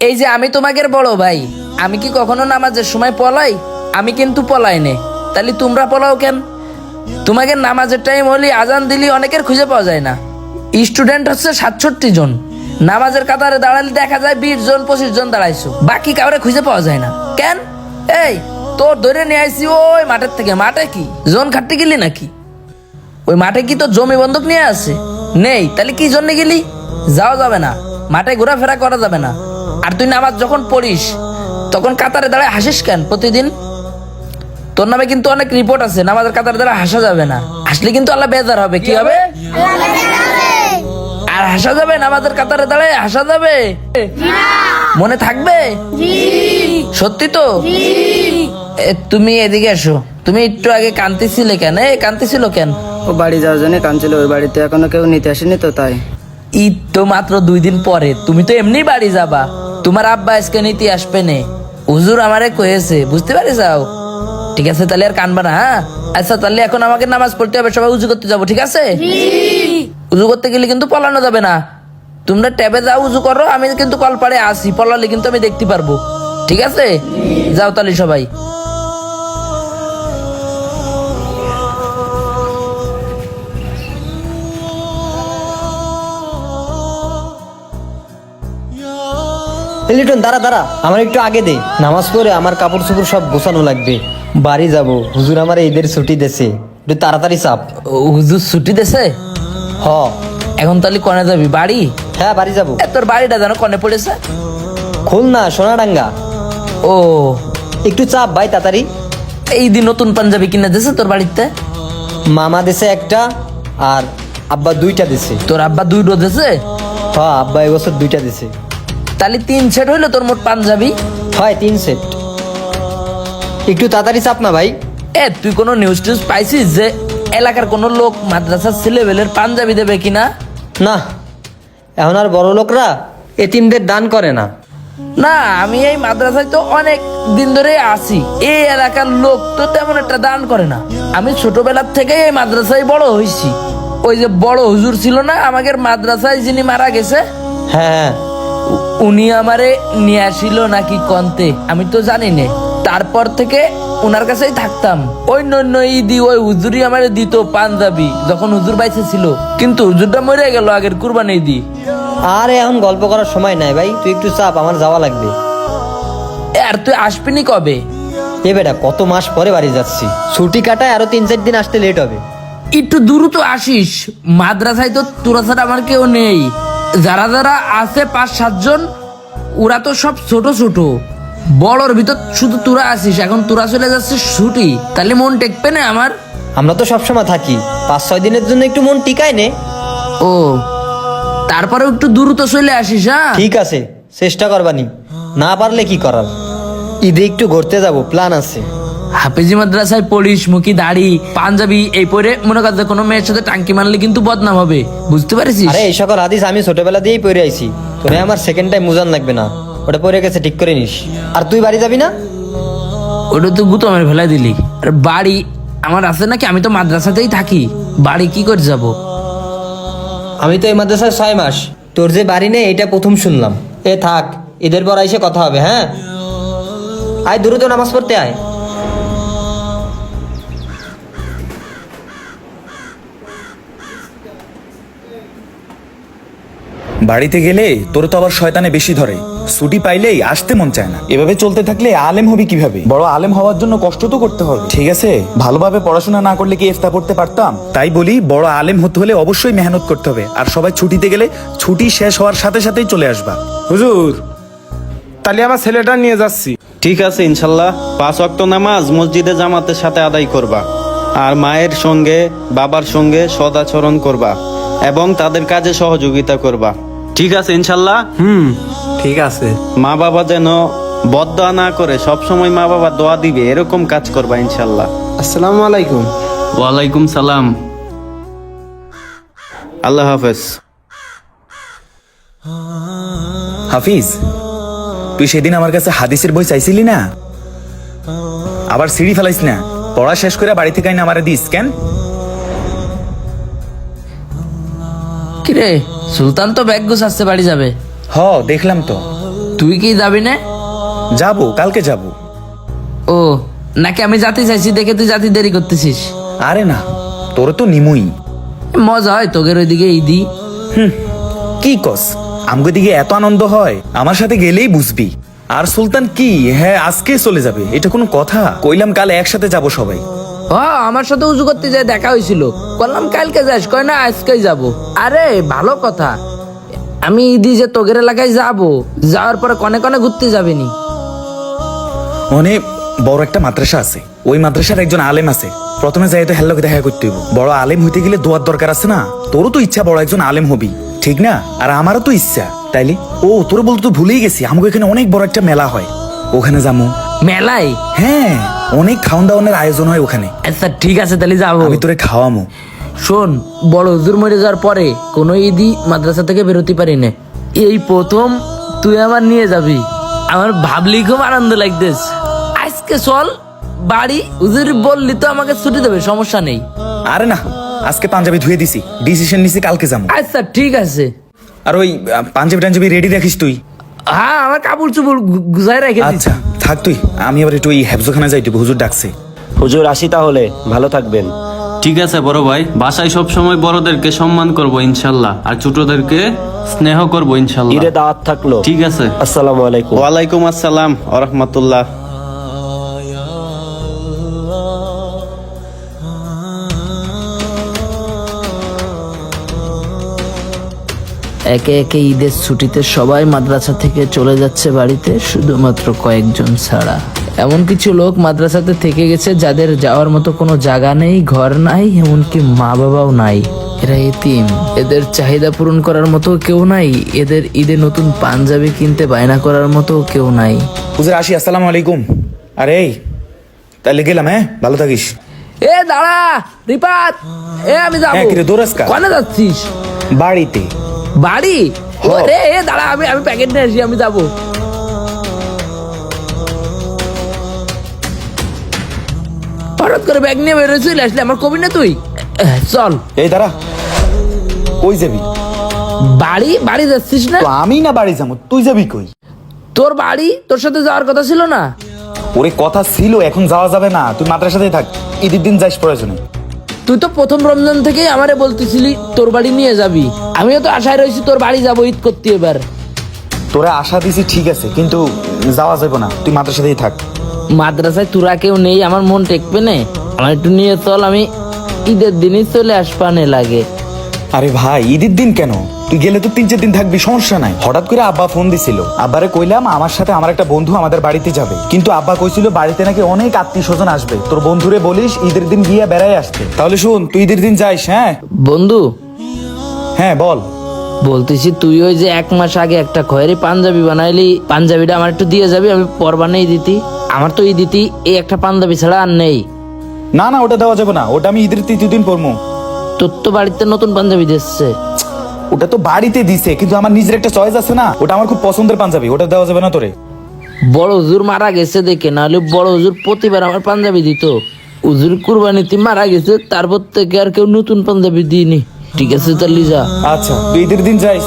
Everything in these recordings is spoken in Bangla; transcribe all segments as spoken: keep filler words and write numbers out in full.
এই যে আমি তোমাদের বড় ভাই, আমি কি কখনো নামাজের সময় পলাই? আমি কিন্তু পলাই নে। তাহলে তোমরা পলাও কেন? তোমাদের নামাজের টাইম হলে আজান দিলি অনেকের খুঁজে পাওয়া যায় না। স্টুডেন্ট হচ্ছে সাতষট্টি জন, নামাজের কাতারে দাঁড়ালে দেখা যায় বিশ জন পঁচিশ জন দাঁড়াইছো, বাকি কাউরে খুঁজে পাওয়া যায় না কেন? এই তোর ধরে নিয়ে আইসি ওই মাঠের থেকে। মাঠে কি জন খাটতে গেলি নাকি? ওই মাঠে কি তোর জমি বন্ধক নিয়ে আছে? নেই, তাহলে কি জন্য গেলি? যাওয়া যাবে না, মাঠে ঘোরাফেরা করা যাবে না। আর তুই নামাজ যখন পড়িস তখন কাতারে দাঁড়ায় হাসিস কেন প্রতিদিন? তোর নামে কিন্তু অনেক রিপোর্ট আছে, নামাজের কাতারে দাঁড়ায় হাসা যাবে না। হাসলে কিন্তু আল্লাহ বেজার হবে। কি হবে? আর হাসা যাবে? নামাজের কাতারে দাঁড়ায় হাসা যাবে? মনে থাকবে? সত্যি তো? এ, তুমি এদিকে এসো। তুমি একটু আগে কাঁদতেছিলে কেন? এ কাঁদতেছিল কেন? ও বাড়ি যাওয়ার জন্য কাঁদছিল, ওই বাড়িতে এখনো কেউ নিতে আসেনি তো তাই। ঈদ তো মাত্র দুই দিন পরে, তুমি তো এমনি বাড়ি যাবা। তোমার আব্বা আজকে নিতে আসবে নে, হুজুর আমারে কয়েছে, বুঝতে পারি যাও। ঠিক আছে, তাহলে আর কানবা না। হ্যাঁ আচ্ছা, তাহলে এখন আমাকে নামাজ পড়তে হবে, সবাই উজু করতে যাবো, ঠিক আছে? উজু করতে গেলে কিন্তু পলানো যাবে না। তোমরা ট্যাবে যাও, উজু করো, আমি কিন্তু কলপাড়ে আসি, পলালে কিন্তু আমি দেখতে পারবো, ঠিক আছে? যাও তাহলে সবাই। এই লিটন দাঁড়া দাঁড়া, আমার একটু আগে দে। নামাজ পড়ে আমার কাপড় চোপড় সব গোছানো লাগবে, বাড়ি যাব। হুজুর আমার ঈদের ছুটি দেছে, একটু তাড়াতাড়ি চাপ। ও, হুজুর ছুটি দেছে? হ। এখন তাহলে কনে যাবি? বাড়ি? হ্যাঁ বাড়ি যাব। এ, তোর বাড়িটা যেন কনে পড়েছে? খুলনা সোনাডাঙ্গা। ও, একটু চাপ ভাই তাড়াতাড়ি। এই দিন নতুন পাঞ্জাবি কিনে দিছে তোর বাড়িতে? মামা দেশে একটা আর আব্বা দুইটা দেশে। তোর আব্বা দুই ডো দিছে? হ্যাঁ আব্বা এবছর দুইটা দেশে। তাহলে তিন সেট হইলো তোর মোট পাঞ্জাবি। হয় তিন সেট। একটু তাড়াতাড়ি চাপ না ভাই। এ তুই কোনো নিউজ টিউজ পাইছিস যে এলাকার কোনো লোক মাদ্রাসার ছেলেবেলের পাঞ্জাবি দেবে কিনা? না, এখন আর বড় লোকরা এতিমদের দান করে না। না, আমি এই মাদ্রাসায় তো অনেক দিন ধরে আছি, এই এলাকার লোক তো তেমন একটা দান করে না। আমি ছোটবেলার থেকে এই মাদ্রাসায় বড় হয়েছি। ওই যে বড় হুজুর ছিল না আমাদের মাদ্রাসায়, যিনি মারা গেছে, হ্যাঁ উ- উনি আমারে নিয়ে আসিল নাকি কন্তে, আমি তো জানি না। তারপর থেকে ওনার কাছেই থাকতাম। ওই নন্য ঈদি ওই হুজুরই আমারে দিত পাঞ্জাবি যখন হুজুর বাইসে ছিল, কিন্তু হুজুরটা মরে গেল আগের কুরবানি ঈদি। আর এখন গল্প করার সময় নাই ভাই, তুই একটু চাপ, আমার যাওয়া লাগবে। এ, আর তুই আসবিনি কবে? এ বেটা কত মাস পরে বাড়ি যাচ্ছি, ছুটি কাটায় আরো তিন চার দিন আসতে লেট হবে। একটু দ্রুত আসিস, মাদ্রাসায় তো তোরা ছাড়া আমার কেউ নেই। যারা যারা আছে পাঁচ সাতজন, ওরা তো সব ছোট ছোট, বড়র ভিতর শুধু তোরা আসিস। এখন তোরা চলে যাচ্ছিস ছুটি, তাহলে মন টেকবে না আমার? আমরা তো সবসময় থাকি, পাঁচ ছয় দিনের জন্য একটু মন টিকায় নে। ও, তারপরেও একটু দ্রুত চলে আসিস। হ্যাঁ ঠিক আছে, চেষ্টা করবানি, না পারলে কি করার। ঈদে একটু ঘুরতে যাব, প্ল্যান আছে। হাফেজি মাদ্রাসায় পড়িস, মুখি দাড়ি পাঞ্জাবি এই পরে মনে কর যে কোনো মেয়ের সাথে টাঙ্কি মারলে কিন্তু বদনাম হবে, বুঝতে পারিস? আরে এই সকল হাদিস আমি ছোটবেলা দিয়েই পড়ে আইছি, তোরে আমার সেকেন্ড টাইম মুজান লাগবে না, ওটা পড়ে গেছে ঠিক করে নিস। আর তুই বাড়ি যাবি না? ওটা তো গুতমের ফেলাই দিলি। আর বাড়ি আমার আছে নাকি? আমি তো মাদ্রাসাতেই থাকি, বাড়ি কি করে যাব? আমি তো এই মাদ্রাসায় ছয় মাস, তোর যে বাড়ি নেই এটা প্রথম শুনলাম। এ থাক, ঈদের পর এসে কথা হবে। হ্যাঁ আয়, দ্রুত নামাজ পড়তে আয়। বাড়িতে গেলে তোর তো আবার শয়তানে বেশি ধরে, ছুটি পাইলেই আসতে মন চায় না। এভাবে চলতে থাকলে আলেম হবি কিভাবে? বড় আলেম হওয়ার জন্য কষ্ট তো করতে হবে, ঠিক আছে? ভালোভাবে পড়াশোনা না করলে কি ইফতা পড়তে পারতাম? তাই বলি, বড় আলেম হতে হলে অবশ্যই মেহনত করতে হবে। আর সবাই ছুটিতে গেলে ছুটি শেষ হওয়ার সাথে সাথেই চলে আসবা। হুজুর, তাহলে আমার ছেলেটা নিয়ে যাচ্ছি। ঠিক আছে ইনশাল্লাহ, পাঁচ ওয়াক্ত নামাজ মসজিদে জামাতের সাথে আদায় করবা, আর মায়ের সঙ্গে বাবার সঙ্গে সদাচরণ করবা এবং তাদের কাজে সহযোগিতা করবা। ঠিক আছে ইনশাল্লাহ? হুম, ঠিক আছে। মা বাবা যেন বদদোয়া না করে সবসময় মা বাবা দোয়া দিবে এরকম কাজ করবা ইনশাল্লাহ। আসসালামু আলাইকুম। ওয়ালাইকুম সালাম। আল্লাহ হাফেজ। হাফিজ, তুই সেদিন আমার কাছে হাদিসের বই চাইছিলি না? আবার সিঁড়ি ফেলাইস না, পড়া শেষ করে বাড়ি থেকে আইনা আমারে দিস কেন? কিরে, সুলতান তো ব্যাগ গুছাচ্ছে, বাড়ি যাবে। হ দেখলাম তো। তুই কি যাবি না? যাবো, কালকে যাবো। ও নাকি আমি জাতি চাইছি দেখে তুই জাতি দেরি করতেছিস? আরে না, তোরে তো নিমুই। মজা হয় তোদের ওইদিকে ঈদি। কি কস, আমগো দিকে এত আনন্দ হয়, আমার সাথে গেলেই বুঝবি। আর সুলতান কি, হ্যাঁ আজকে চলে যাবে, এটা কোনো কথা? কইলাম কাল একসাথে যাব সবাই। হ আমার সাথে উজু করতে যায় দেখা হয়েছিল, বললাম কালকে যাস, কয় না আজকেই যাব। আরে ভালো কথা, আমি ঈদি যে তোগের এলাকায় যাব, যাওয়ার পরে কনে কনে ঘুরতে যাবিনি? মানে বড় একটা মাদ্রাসা আছে, ওই মাদ্রাসার একজন আলেম আছে। প্রথমে যাই তো হ্যালোকে দেখা করতে হইব। বড় আলেম হইতে গেলে দোয়ার দরকার আছে না? তোরও তো ইচ্ছা বড় একজন আলেম হবি, ঠিক না? আর আমারও তো ইচ্ছা, তাইলে ও তোর বলতে তো ভুলেই গেছি, আমাকে এখানে অনেক বড় একটা মেলা হয়, ওখানে যাবো। মেলায়? হ্যাঁ, অনেক খাওয়ান দাওয়ানের আয়োজন হয় ওখানে। আচ্ছা ঠিক আছে, তাহলে যাবো। আমি তোরে খাওয়ামো। শোন, বড় হুজুর মরে যাওয়ার পরে কোনো ঈদই মাদ্রাসা থেকে বেরোতে পারি না, এই প্রথম তুই আমার নিয়ে যাবি। আমার ভাবলি খুব আনন্দ লাগতেস। আজকে চল বাড়ি, হুজুর বললি তো আমাকে ছুটি দেবে, সমস্যা নেই। আরে না, আজকে পাঞ্জাবি ধুয়ে দিছি, ডিসিশন নিছি কালকে যাবো। আচ্ছা ঠিক আছে। আর ওই আহ, পাঞ্জাবি টাঞ্জাবি রেডি রাখিস তুই। হ্যাঁ আমার কাপড় চুপড় গু- গুছাই রেখে দিচ্ছি। আচ্ছা থাক তুই, আমি আবার একটু ওই হেফজোখানা যাই, তুই হুজুর ডাকছে। হুজুর আসি তাহলে, ভালো থাকবেন। ঠিক আছে বড় ভাই, বাসায় সব সময় বড়দেরকে সম্মান করব ইনশাল্লাহ, আর ছোটদেরকে স্নেহ করব ইনশাল্লাহ। ঈদে দাওয়াত থাকলো। ঠিক আছে। আসসালামু আলাইকুম। ওয়ালাইকুম আসসালাম ওয়া রাহমাতুল্লাহ। একে একে ঈদের ছুটিতে সবাই মাদ্রাসা থেকে চলে যাচ্ছে বাড়িতে, শুধুমাত্র কয়েকজন ছাড়া। এমন কিছু লোক মাদ্রাসাতে থেকে গেছে যাদের যাওয়ার মতো কোনো জায়গা নেই, ঘর নাই, এমনকি মা বাবাও নাই। এরা এতিম, এদের চাহিদা পূরণ করার মতো কেউ নাই, এদের ঈদে নতুন পাঞ্জাবি কিনতে বায়না করার মতো কেউ নাই। হুজুর আসি, আসসালামু আলাইকুম। আরে এই তাহলে গেলাম, হ্যাঁ ভালো থাকিস। এ দাঁড়া রিপাত, এ আমি যাবো। হ্যাঁ, কিরে, দৌড়াস কা? কোনে যাচ্ছিস? বাড়িতে। বাড়ি? হ। রে এ দাঁড়া, আমি আমি প্যাকেট নিয়ে আসি, আমি যাবো। হঠাৎ করে ব্যাগ নিয়ে বেরোয় চলে আসলে, আমার কবি না তুই? এহ, চল এই দাঁড়া, কই যাবি? বাড়ি। বাড়ি যাচ্ছিস না? তো আমি না বাড়ি যাবো, তুই যাবি কই? তোর বাড়ি, তোর সাথে যাওয়ার কথা ছিল না? ওরে কথা ছিল, এখন যাওয়া যাবে না, তুই মাদ্রাসাতেই থাক, ঈদের দিন যাইস প্রয়োজনে। তুই তো প্রথম রমজান থেকেই আমারে বলতেছিলি তোর বাড়ি নিয়ে যাবি, আমিও তো আশায় রয়েছি তোর বাড়ি যাবো ঈদ করতে। এবার তোরা আশা দিছি ঠিক আছে, কিন্তু যাওয়া যাবে না, তুই মাদ্রাসাতেই থাক। মাদ্রাসায় তোরা কেউ নেই, আমার মন টেকবে না, আমার একটু নিয়ে চল, আমি ঈদের দিনই চলে আসবানে লাগে। আরে ভাই, ঈদের দিন কেন? তুই গেলে তো তিন চার দিন থাকবি, সমস্যা নাই। হঠাৎ করে আব্বা ফোন দিছিল, আব্বারে কইলাম আমার সাথে আমার একটা বন্ধু আমাদের বাড়িতে যাবে, কিন্তু আব্বা কইছিল বাড়িতে নাকি অনেক আত্মীয় স্বজন আসবে, তোর বন্ধুরে বলিস ঈদের দিন গিয়া বেড়াই আসতে। তাহলে শুন, তুই ঈদের দিন যাইস। হ্যাঁ বন্ধু, হ্যাঁ বল। বলতেছি তুই ওই যে এক মাস আগে একটা খয়েরি পাঞ্জাবি বানাইলি, পাঞ্জাবিটা আমার একটু দিয়ে যাবি, আমি পর বানাই দিতি। আমার তো এই দিতি এই একটা পাঞ্জাবি ছাড়া আর নেই। না না, ওটা দেওয়া যাবে না, ওটা আমি ঈদের তৃতীয় দিন পরবো। তোর তো বাড়িতে নতুন পাঞ্জাবি দিচ্ছে। ওটা তো বাড়িতে দিছে, কিন্তু আমার নিজের একটা চয়েস আছে না, ওটা আমার খুব পছন্দের পাঞ্জাবি, ওটা দেওয়া যাবে না তোরে। বড় হুজুর মারা গেছে দেখে, নাহলে বড় হুজুর প্রতিবার আমার পাঞ্জাবি দিত। হুজুর কুরবানিতে মারা গেছে, তারপর থেকে আর কেউ নতুন পাঞ্জাবি দিইনি। ঠিক আছে তাহলে যা। আচ্ছা, তুই ঈদের দিন যাইস।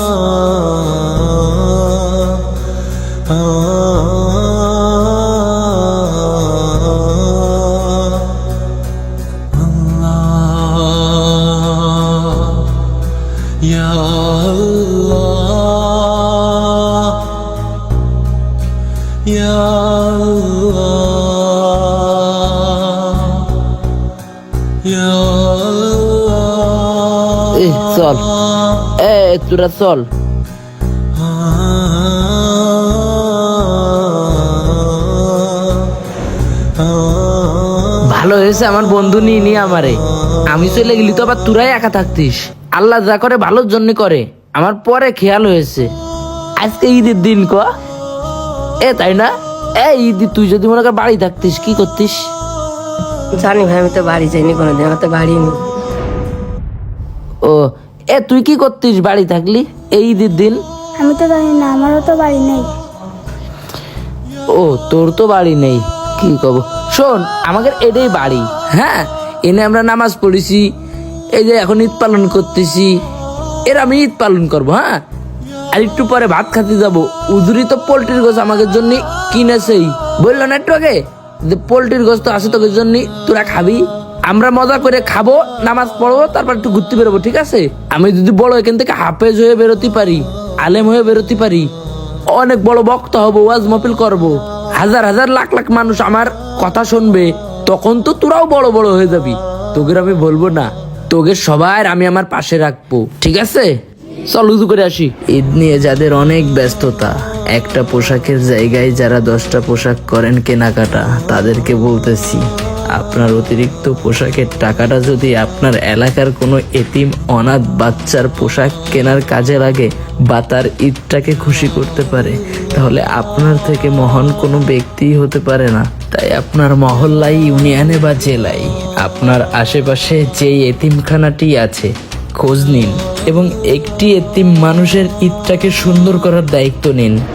এ চল, এ তোরা চল। ভালো হয়েছে আমার বন্ধু নিয়ে নিয়ে আমারে, আমি চলে গেলি তো আবার তোরাই একা থাকতিস। আল্লাহ যা করে ভালোর জন্য করে, আমার পরে খেয়াল হয়েছে। আজকে ঈদের দিন ক এ, তাই না? এ ঈদ, তুই যদি মনে কর বাড়ি থাকতিস কি করতিস? জানি ভাই, আমি তো বাড়ি যাইনি কোনোদিন, আমার তো বাড়ি নেই। ও এ, তুই কি করতিস বাড়ি থাকলি এই ঈদের দিন? আমি তো জানি না, আমারও তো বাড়ি নেই। ও তোর তো বাড়ি নেই, কি কব। শোন, আমাদের এটাই বাড়ি। হ্যাঁ, এনে আমরা নামাজ পড়েছি, এই যে এখন ঈদ পালন করতেছি, এর আমি ঈদ পালন করবো। হ্যাঁ, আর একটু পরে ভাত খাতে যাব। উজুরি তো পোল্ট্রির গোছ আমাদের জন্য কিনেছেই, বললো না একটু আগে যে পোল্ট্রির গোছ তো আছে তোদের জন্য, তোরা খাবি। আমরা মজা করে খাবো, নামাজ পড়বো, তারপর একটু ঘুরতে বেরোবো, ঠিক আছে? আমি যদি বড় এখান থেকে হাফেজ হয়ে বেরোতে পারি, আলেম হয়ে বেরোতে পারি, অনেক বড় বক্তা হবো, ওয়াজ মাহফিল করবো, হাজার হাজার লাখ লাখ মানুষ আমার কথা শুনবে, তখন তো তোরাও বড় বড় হয়ে যাবি। তোদের আমি বলবো না, তোদের সবার আমি আমার পাশে রাখবো, ঠিক আছে? চল উজু করে আসি। ঈদ নিয়ে যাদের অনেক ব্যস্ততা, একটা পোশাকের জায়গায় যারা দশটা পোশাক করেন কেনাকাটা, তাদেরকে বলতেছি আপনার অতিরিক্ত পোশাকের টাকাটা যদি আপনার এলাকার কোনো এতিম অনাথ বাচ্চার পোশাক কেনার কাজে লাগে বা তার ঈদটাকে খুশি করতে পারে, তাহলে আপনার থেকে মহান কোনো ব্যক্তিই হতে পারে না। তাই আপনার মহল্লায়, ইউনিয়নে বা জেলায় আপনার আশেপাশে যেই এতিমখানাটি আছে খোঁজ নিন এবং একটি এতিম মানুষের ঈদটাকে সুন্দর করার দায়িত্ব নিন।